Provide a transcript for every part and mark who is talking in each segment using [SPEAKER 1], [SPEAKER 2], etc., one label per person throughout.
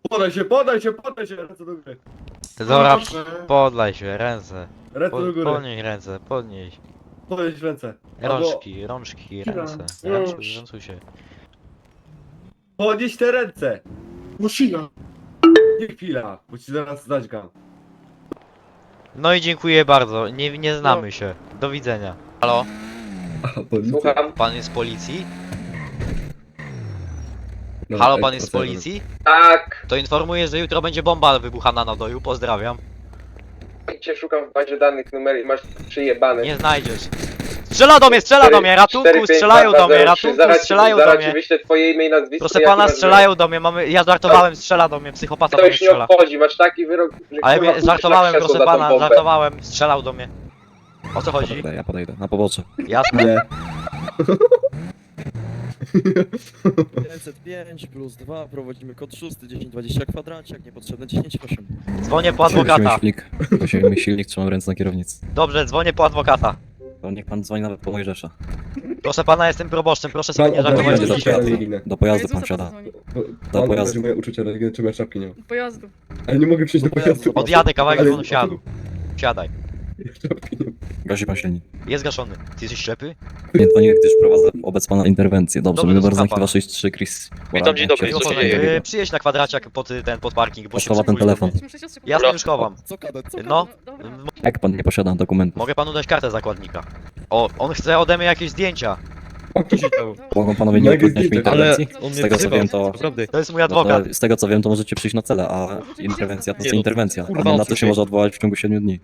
[SPEAKER 1] Podaj się, ręce do góry.
[SPEAKER 2] Dobra, podlaj się, ręce.
[SPEAKER 1] Ręce do góry.
[SPEAKER 2] Podnieś ręce, podnieś.
[SPEAKER 1] Podnieś ręce. Albo
[SPEAKER 2] Rączki,
[SPEAKER 3] Chwila,
[SPEAKER 2] ręce.
[SPEAKER 3] już.
[SPEAKER 2] Ręcuj się.
[SPEAKER 1] podnieś te ręce.
[SPEAKER 3] Musina.
[SPEAKER 1] Nie chwila, bo ci zaraz zadźgam.
[SPEAKER 2] No i dziękuję bardzo, nie znamy się. Do widzenia. Halo?
[SPEAKER 4] Słucham.
[SPEAKER 2] Pan jest z policji?
[SPEAKER 1] No,
[SPEAKER 2] Halo, pan jest z policji?
[SPEAKER 4] Tak.
[SPEAKER 2] To informuję, że jutro będzie bomba wybuchana na doju, pozdrawiam.
[SPEAKER 4] Cię szukam w bazie danych numer i masz przyjebane.
[SPEAKER 2] Nie znajdziesz. Strzela do mnie, ratunku, strzelają do mnie, ratunku, strzelają do
[SPEAKER 4] Zaraz ci
[SPEAKER 2] mnie.
[SPEAKER 4] wyślę twoje imię i nazwisko.
[SPEAKER 2] Proszę
[SPEAKER 4] jaki
[SPEAKER 2] pana,
[SPEAKER 4] masz
[SPEAKER 2] strzelają do mnie, ja żartowałem, strzela do mnie, psychopata
[SPEAKER 4] wyrok.
[SPEAKER 2] do
[SPEAKER 4] To
[SPEAKER 2] mnie
[SPEAKER 4] już nie
[SPEAKER 2] strzela.
[SPEAKER 4] obchodzi, masz taki wyrok, że
[SPEAKER 2] Ale
[SPEAKER 4] kurwa,
[SPEAKER 2] mnie, żartowałem,
[SPEAKER 4] krzesło
[SPEAKER 2] proszę
[SPEAKER 4] za tą
[SPEAKER 2] pana,
[SPEAKER 4] bombę.
[SPEAKER 2] żartowałem, strzelał do mnie. O co chodzi?
[SPEAKER 5] Ja podejdę, na pobocze.
[SPEAKER 2] Jasne?
[SPEAKER 1] Nie.
[SPEAKER 6] 505 plus 2, prowadzimy kod 6, 1020 kwadraciak, niepotrzebne 108.
[SPEAKER 2] Dzwonię po adwokata.
[SPEAKER 5] Musimy silnik, trzymam ręce na kierownicy.
[SPEAKER 2] Dobrze, dzwonię po adwokata.
[SPEAKER 5] To niech pan dzwoni nawet po Mojżesza.
[SPEAKER 2] Proszę pana, jestem proboszczem, proszę sobie nie
[SPEAKER 1] Pan
[SPEAKER 2] żartować
[SPEAKER 1] obraził
[SPEAKER 2] z
[SPEAKER 1] moje
[SPEAKER 2] dzisiaj.
[SPEAKER 1] uczucia religijne.
[SPEAKER 5] Do pojazdu pan wsiada.
[SPEAKER 1] Pan
[SPEAKER 5] pojazdu.
[SPEAKER 1] obraził moje uczucia religijne, czemu ja czapki nie mam.
[SPEAKER 3] Pojazdu.
[SPEAKER 1] Ale nie mogę przyjść do pojazdu.
[SPEAKER 2] Odjadę kawałek
[SPEAKER 1] Ale-
[SPEAKER 2] wonu siadu. Siadaj.
[SPEAKER 1] Czapki nie mam.
[SPEAKER 5] Gasi pan silnik.
[SPEAKER 2] Jest gaszony. Ty jesteś ślepy?
[SPEAKER 5] Nie dzwonię, gdyż prowadzę wobec pana interwencję. Dobrze,
[SPEAKER 2] Dobrze,
[SPEAKER 5] numer
[SPEAKER 2] słucham
[SPEAKER 5] znaki 263 Chris.
[SPEAKER 7] Witam, dzień dobry,
[SPEAKER 5] Sierra
[SPEAKER 7] co się
[SPEAKER 5] Sierra
[SPEAKER 7] dzieje?
[SPEAKER 5] Sierra.
[SPEAKER 2] Przyjedź na kwadraciak pod parking, bo się
[SPEAKER 5] Schowa ten
[SPEAKER 2] przypóźnię.
[SPEAKER 5] telefon.
[SPEAKER 2] Jasne, już chowam.
[SPEAKER 6] Co kadet, co
[SPEAKER 2] No.
[SPEAKER 3] Dobra.
[SPEAKER 5] Jak pan nie posiada dokumentów?
[SPEAKER 2] Mogę panu dać kartę zakładnika. O, on chce ode mnie jakieś zdjęcia.
[SPEAKER 5] Mogą panowie nie
[SPEAKER 1] Mega
[SPEAKER 5] utrudniać mi
[SPEAKER 1] zdjęcia.
[SPEAKER 5] interwencji?
[SPEAKER 7] on
[SPEAKER 5] Z
[SPEAKER 7] mnie
[SPEAKER 5] tego co
[SPEAKER 7] wzywał,
[SPEAKER 5] wiem to...
[SPEAKER 7] naprawdę.
[SPEAKER 2] To jest mój
[SPEAKER 5] No
[SPEAKER 2] adwokat.
[SPEAKER 5] to, z tego co wiem to możecie przyjść na cele, a interwencja to
[SPEAKER 7] Nie,
[SPEAKER 5] jest
[SPEAKER 7] no,
[SPEAKER 5] interwencja.
[SPEAKER 7] kurwa,
[SPEAKER 5] A na to
[SPEAKER 7] odsuń
[SPEAKER 5] się
[SPEAKER 7] się.
[SPEAKER 5] może odwołać w ciągu 7 dni.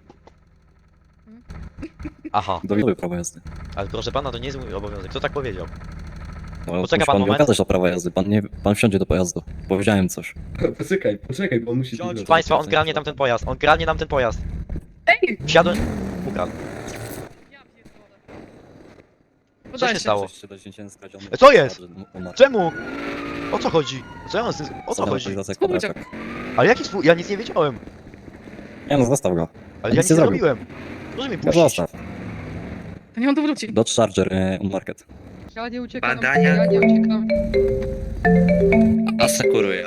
[SPEAKER 2] Aha,
[SPEAKER 5] Dowiaduję prawo jazdy.
[SPEAKER 2] ale proszę pana, to nie jest mój obowiązek. Kto tak powiedział?
[SPEAKER 5] No,
[SPEAKER 2] Poczeka
[SPEAKER 5] musi
[SPEAKER 2] pan
[SPEAKER 5] pan mi
[SPEAKER 2] moment.
[SPEAKER 5] okazać to prawo jazdy. Pan wsiądzie do pojazdu. Powiedziałem coś.
[SPEAKER 1] Poczekaj, bo on musi...
[SPEAKER 2] Proszę państwa, on kradnie nam ten pojazd. On kradnie nam ten pojazd.
[SPEAKER 3] Ej!
[SPEAKER 2] Wsiadłem. Ukradł.
[SPEAKER 3] Ja pierdolę.
[SPEAKER 2] Co
[SPEAKER 3] Podaj
[SPEAKER 2] się stało?
[SPEAKER 5] Skradziony.
[SPEAKER 2] Co jest?
[SPEAKER 5] Umarł.
[SPEAKER 2] Czemu? O co chodzi? Co ja mam z tym... O co
[SPEAKER 5] Zadana
[SPEAKER 2] chodzi?
[SPEAKER 5] aktualizacja
[SPEAKER 3] Spróbuj
[SPEAKER 5] kwadraciak.
[SPEAKER 2] Ale jaki swój... Ja nic nie wiedziałem.
[SPEAKER 5] Nie no, zostaw go.
[SPEAKER 2] Ale
[SPEAKER 5] Nic
[SPEAKER 2] ja nic
[SPEAKER 5] nie
[SPEAKER 2] nie
[SPEAKER 5] zrobił.
[SPEAKER 2] robiłem. Proszę mnie
[SPEAKER 5] No
[SPEAKER 2] puścić.
[SPEAKER 5] zostaw.
[SPEAKER 3] To nie on tu wróci.
[SPEAKER 5] Dodge Charger on Market.
[SPEAKER 8] Ja nie uciekam.
[SPEAKER 7] Badania.
[SPEAKER 8] Ja nie uciekam.
[SPEAKER 7] Asekuruję.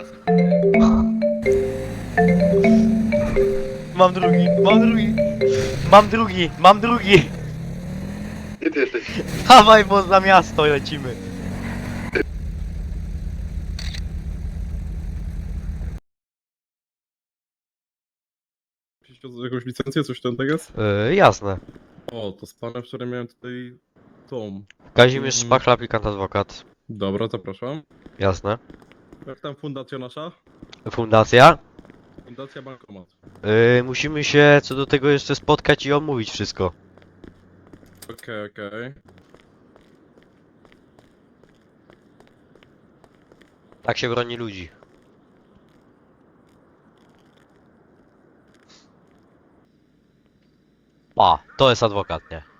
[SPEAKER 2] Mam drugi, mam drugi. Mam drugi, mam drugi.
[SPEAKER 7] Gdzie ty jesteś?
[SPEAKER 2] Dawaj, bo za miasto lecimy.
[SPEAKER 9] Jakąś licencję, coś tam tak jest?
[SPEAKER 2] Jasne.
[SPEAKER 9] O, to z panem wczoraj miałem tutaj tą.
[SPEAKER 2] Kazimierz Szpachla, aplikant adwokat.
[SPEAKER 9] Dobra, zapraszam.
[SPEAKER 2] Jasne.
[SPEAKER 9] Jak tam fundacja nasza?
[SPEAKER 2] Fundacja.
[SPEAKER 9] Fundacja Bankomat.
[SPEAKER 2] Musimy się co do tego jeszcze spotkać i omówić wszystko.
[SPEAKER 9] Okej.
[SPEAKER 2] Tak się broni ludzi. A, to jest adwokat, nie?